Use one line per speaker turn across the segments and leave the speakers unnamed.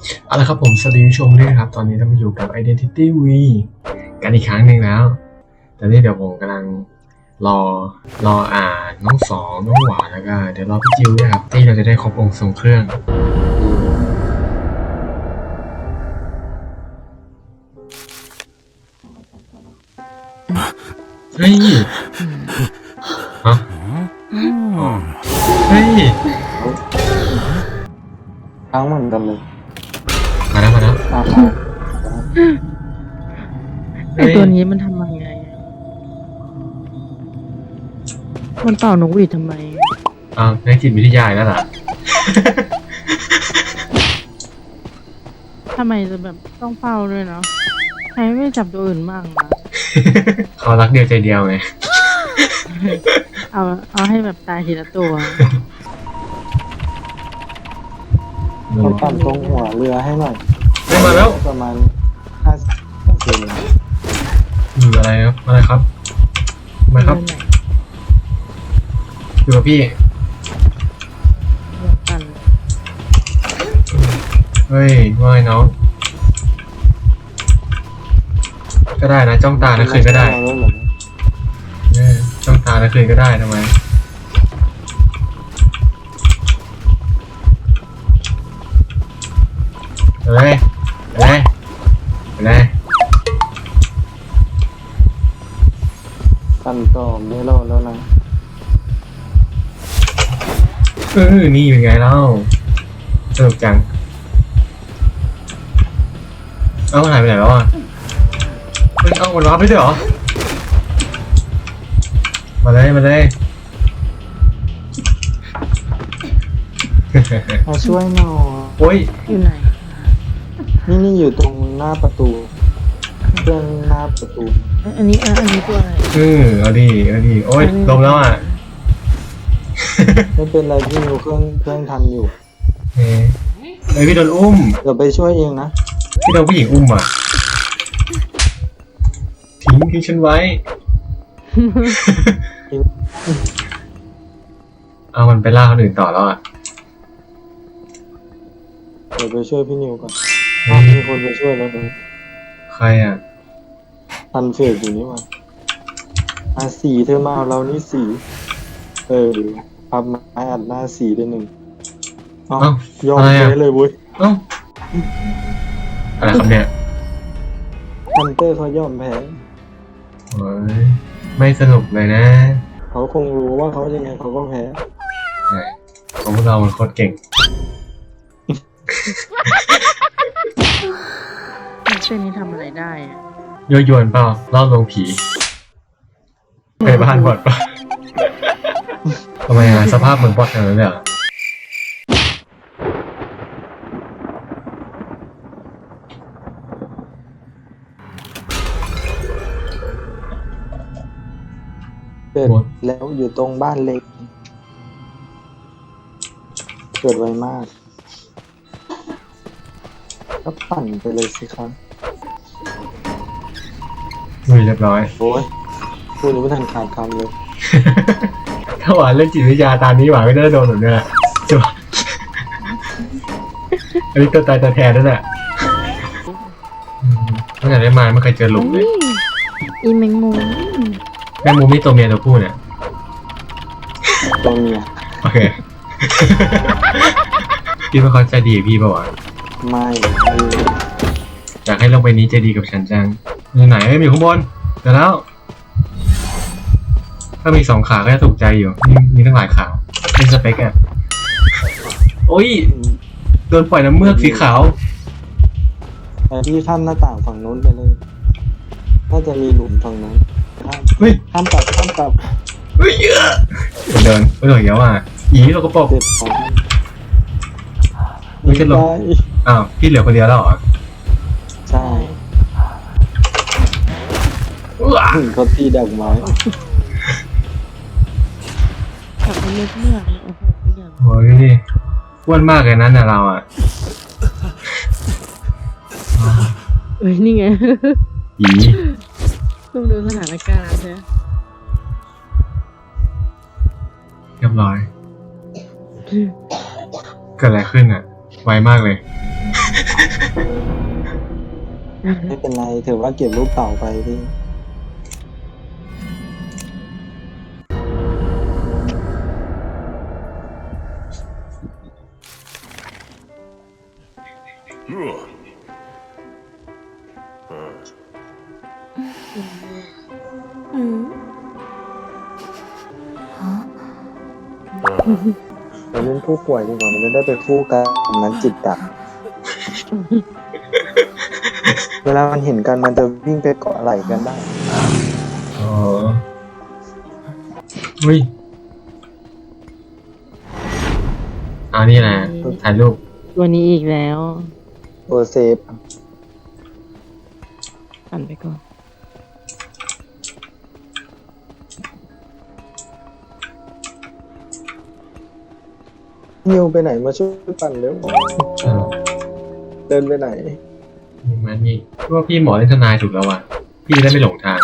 เอาละครับผมสวัสดีผู้ชมด้วยครับตอนนี้เรามาอยู่กับ Identity V กันอีกครั้งหนึ่งแล้วแต่นี่เดี๋ยวผมกำลังรออ่านน้องสองน้องหวานแล้วก็เดี๋ยวรอพี่จิวด้วยครับที่เราจะได้ครบองค์ทรงเครื่องเฮ้ยฮะเฮ้ย
ทั้งเหมือนกันเลย
มาแล้ว
อา
ไอตัวนี้มันทำยังไง มันเป่านกหวีดทำไม
ในจิตวิทยาแล้วล่ะ
ทำไมจะแบบต้องเป่าด้วยเนาะใครไม่จับตัวอื่นบ้างนะ
เขารักเดียวใจเดียวไง
เอาให้แบบตายทีละตัว
เขาปั่นตรงหัวเรือให้หน่อย
ได้มาแล้ว
ประมาณ50%
อะไรครับอะไรครับมาครับอยู่กับพี่เฮ้ยว่าไงน้องก็ได้นะจ้องตาแล้วคืนก็ได้จ้องตาแล้วคืนก็ได้ทำไมไปเลย
ปั่นต่อไม่รอดแล้วนะ
นี่เป็นไงเล่าสนุกจังมันหายไปไหนแล้วอ่ะมันรับไปด้วยเหรอมาเลย
มาช่วยหน่อย
โอ้ย
อยู่ไหน
นี่อยู่ตรงหน้าประตูเครื่องหน้าประตู
อันนี้ตัวอะไร
เอาดิโอ้ยลมแล้วอ่ะ
ไม่เป็นไรพี่อยู่เครื่องทำอยู่
เฮ้ยพี่โดนอุ้ม
เดี๋ยวไปช่วยเองนะ
พี่โดนผู้หญิงอุ้มอ่ะทิ้งฉันไว้ เอามันไปล่าคนอื่นต่อแล้วอ่ะ
เดี๋ยวไปช่วยพี่นิวก่อนมีคนไปช่วยแล้วดู
ใครอ่ะ
ทันเฟสอยู่นี่มาสีเธอมาเอาเรานี่สีพับไม้อัดหน้าสีได้1ยอมแพ้เลยเว้ย
อะไรครับเนี่ย
ฮันเตอร์เขายอมแพ้
โอ้ยไม่สนุกเลยนะ
เขาคงรู้ว่าเขายังไงเขาก็แพ้
ของพวกเรามันโคตรเก่ง
เส้นนี้ทำอะไรได้อะ
ยั่วยวนเปล่าล่อลวงผีไปบ้านบอดป่ะ ทำไมอ่ะสภาพเหมือนบอดอย่างนั้นเลยอ่ะ
เกิดแล้วอยู่ตรงบ้านเล็กเกิดไวมากก็ปั่นไปเลยสิครับ
เรียบร้อย
โอ้ยพูดยังไม่ทันขาดคำเลย
ถ้าหวานเล่นจิตวิทยาตามนี้หวานไม่ได้โดนหนูเนี่ยจ้ะอันนี้ตัวตายตัวแทนนั่นแหละตั้งแต่ได้มาไม่เคยเจอหลุมเลย
อีแมงมุม
แม่มูมี่ตัวเมียตัวผู้เนี่ย
ตัวเมีย
โอเค พี่ว่าเขาใจดีกับพี่ป่าวะ
ไม่
อยากให้ลงไปนี้ใจดีกับฉันจังไหนๆมีข้างบนเดี๋ยวแล้ว ถ้ามี2 ขาก็จะถูกใจอยู่มีทั้งหลายขาเป็นสเปกอะโอ้ยโดนปล่อยน้ำเมือกสีขาว
แต่พี่ข้ามหน้าต่างฝั่งนู้นไปเลยน่าจะมีหลุมฝั่งนู้น
เฮ้ย
ข้ามกลับ
เฮ้ยเยอะเดินเยอะอ่ะอีเราก็ปก
เจ็บของ
ไม่ใช่หรอ
ได้
อ้าวพี่เหลือคนเดียวแล้วเหรอ
ใช่เขาตีดอกไม้
ขับไปเลือกเลยโอ้โหอย่าง
โอ้ยอ้วนมากเลยนั้นน่ะเราอ่ะ
นี่ไง
อี
ต้องดูสถานการณ์ใช่ไหม
เรียบร้อย เกิดอะไรขึ้นอ่ะ ไวมากเลย
ไม่เป็นไรถือว่าเก็บรูปเต่าไปพี่ เราเล่นผู้ป่วยดีกว่ามันจะได้ไปคู่กันนั้นจิตดับ เวลามันเห็นกันมันจะวิ่งไปเกาะไหล่กันได้
อ๋ออุ้ยเอานี่แหละถ่ายรูป
วันนี้อีกแล้ว
ตัวเซฟ
ปั่นไปก่อน
นิวไปไหนมาช่วยปั่นเร็ว
เออ
เดินไปไหน
นี่มันนี่ว่าพี่หมอเล่นทนายถูกแล้วว่ะพี่จะได้ไม่หลงทาง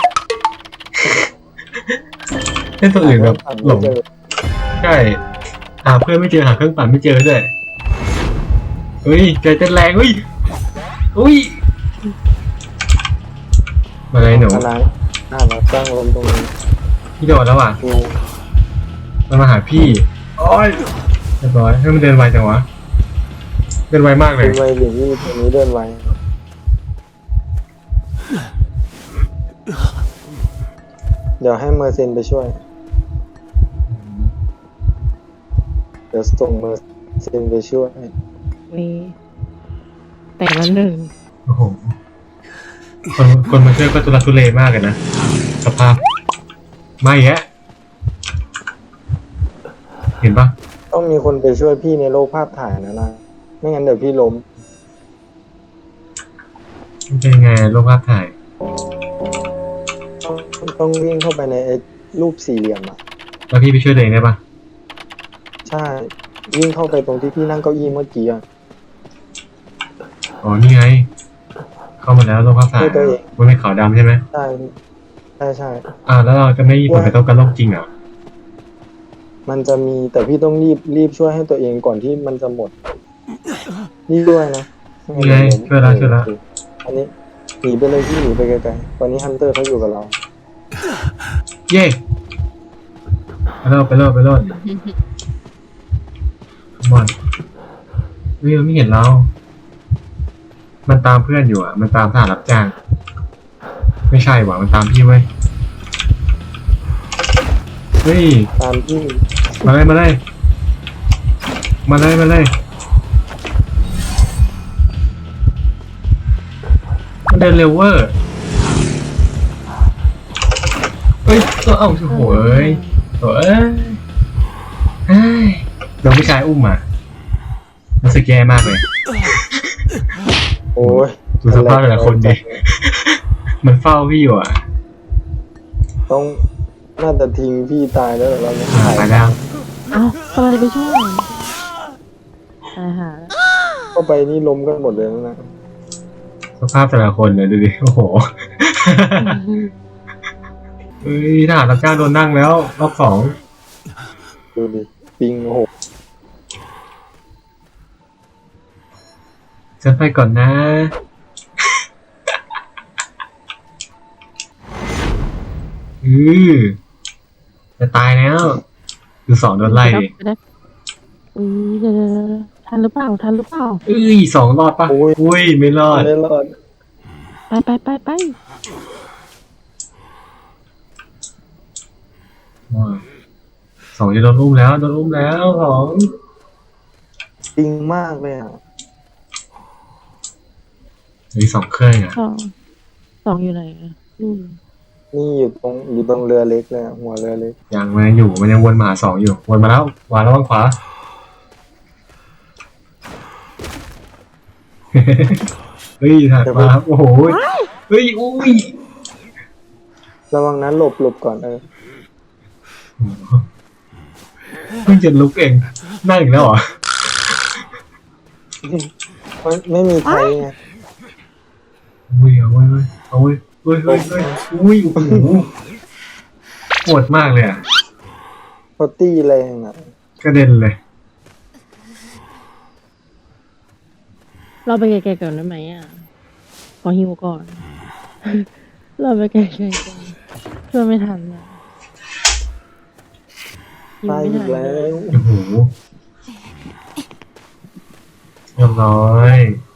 เล่นตัวอื่นแบบหลง ใช่หาเพื่อนไม่เจอหาเครื่องปั่นไม่เจอด้วยเฮ้ยใจเต้นแรงเฮ้ยอุ้ยมาเลยหนู
อะไรเราตั้งลมตรงนี้
พี่โดดแล้วว่ะ
นิว
มันมาหาพี่โอ้ยเรียบร้อยให้มันเดินไวจังวะเดินไวมากเล
เดิ
ย
นไวหรือนี่ตัวนี้เดินไวเดี๋ยวให้เมอร์เซนไปช่วย เดี๋ยวส่งเมอร์เซนไปช่วย
มีแต่ละหนึ่ง
โอ้โหคนมาช่วยก็ทุลักทุเลมากเลยนะสภาพไม่แยะเห็นปะ
ต้องมีคนไปช่วยพี่ในโลกภาพถ่ายนะไม่งั้นเดี๋ยวพี่ล้ม
มันเป็นยังไงโลกภาพถ่าย
ต้องวิ่งเข้าไปในไอ้รูปสี่เหลี่ยมอ่ะ
แล้วพี่ไปช่วยตัวเองได้ปะ
ใช่ วิ่งเข้าไปตรงที่พี่นั่งเก้าอี้เมื่อกี้อ่ะ
อ๋อนี่ไงเข้ามาแล้วโลกภาพถ่าย
ช่วยตัวเอง
มันเป็นขาวดำใช่ไหม
ใช่ใช่
แล้วเราจะไม่มีผลกระทบกับโลกจริงเหรอ
มันจะมีแต่พี่ต้องรีบช่วยให้ตัวเองก่อนที่มันจะหมดนี่ด้วยนะ
นี่ไงช่วยแล้วช่วยแล้ว
อันนี้หนีไปเลยพี่หนีไปไกลๆตอนนี้ฮันเตอร์เขาอยู่กับเรา
เย่ไปโลดมอนมันไม่เห็นเรา มันตามเพื่อนอยู่อ่ะ มันตามทหารรับจ้าง ไม่ใช่หว่ามันตามพี่เว้ย เฮ้ย
ตามที่
มาเลยมันเดินเร็วเวอร์เฮ้ยตัวโอ้โหเอ้ยเฮ้ยโดนผู้ชายอุ้มอ่ะรู้สึกแย่มากเลย
โอ้ย
ดูสภาพแต่ละคนดิ มันเฝ้าพี่อยู่อ่ะ
ต้องน่าจะทิ้งพี่ตายแล้วเหรอเราเนี่ย
ไปแล้ว
เอ้ากำลังจะไปช่วยตายหาแล้ว
เข้าไปนี่ล้มกันหมดเลยนะ
สภาพแต่ละคนเลยดูดิ โอ้โห เฮ้ยทหารรับจ้างโดนนั่งแล้วรอบสอง
ดูดิปิงโอ้โห
จะไปก่อนนะ จะตายแล้วคือสองโดนไล่ดิ
ไปได้เดี๋ยวทันหรือเปล่า
สองรอดปะอุ้ยไม่รอด
ไม่รอด
ไป
สองจะโดนอุ้มแล้วสอง
ปิงมากเลยอ่ะ
มีสองเครื่องอ่ะ
สองอยู่ไหนอ่ะนู่น
นี่อยู่ตรงเรือเล็กเลยอะหัวเรือเล็ก
ยังมันอยู่มันยังวนมาหาสองอยู่วนมาแล้วขวาแล้วขวา เฮ้ยถัดมาครับโอ้โหเฮ้ยอุ้ย
ระวังนั้นหลบก่อน
เพิ่งจะลุกเองนั่งอีกแล้วเหรอ
ไม่มีใครไง
อุ้ยโอ้ยโอ้ยโอ้โหโหดมากเลยอ่ะ
เขาตีแรงอ่ะ
กระเด็นเลย
เราไปไกลๆก่อนได้ไหมอ่ะ ขอหิวก่อน เราไปไกลๆก่อนช่วยไม่ทันอ่ะหิว
ตาย
ไม่
อี
ทั
ก
น
แล้ว
โอ้โหเรียบร้อย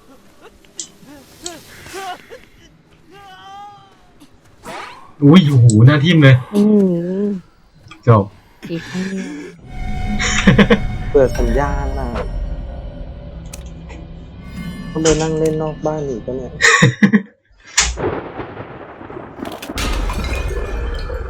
อุ้ยโอ้โหหน้าทิ่มเลย
อืม
จบ
อีกครั้งเดียว
เปิดสัญญาณน่ะต้องไปนั่งเล่นนอกบ้านอีกปะเนี่ย